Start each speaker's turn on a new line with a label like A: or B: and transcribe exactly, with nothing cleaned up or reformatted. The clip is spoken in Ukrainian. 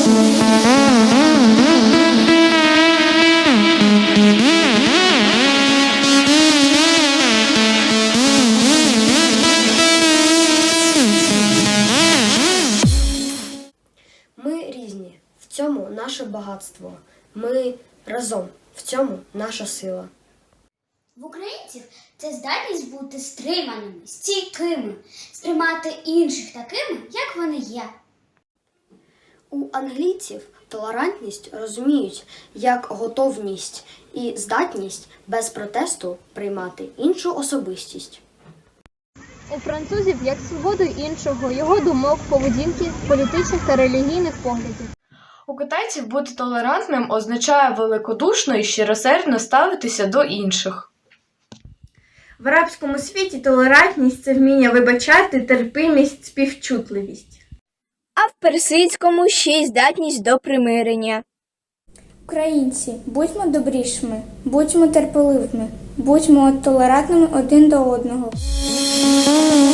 A: Ми різні, в цьому наше багатство. Ми разом, в цьому наша сила.
B: В українців це здатність бути стриманими, стійкими, сприймати інших такими, як вони є.
A: У англійців толерантність розуміють як готовність і здатність без протесту приймати іншу особистість.
C: У французів як свободу іншого, його думок, поведінки, політичних та релігійних поглядів.
D: У китайців бути толерантним означає великодушно і щиросердно ставитися до інших.
E: В арабському світі толерантність – це вміння вибачати, терпимість, співчутливість.
F: А в персидському ще й здатність до примирення.
G: Українці, будьмо добрішими, будьмо терпеливими, будьмо толерантними один до одного.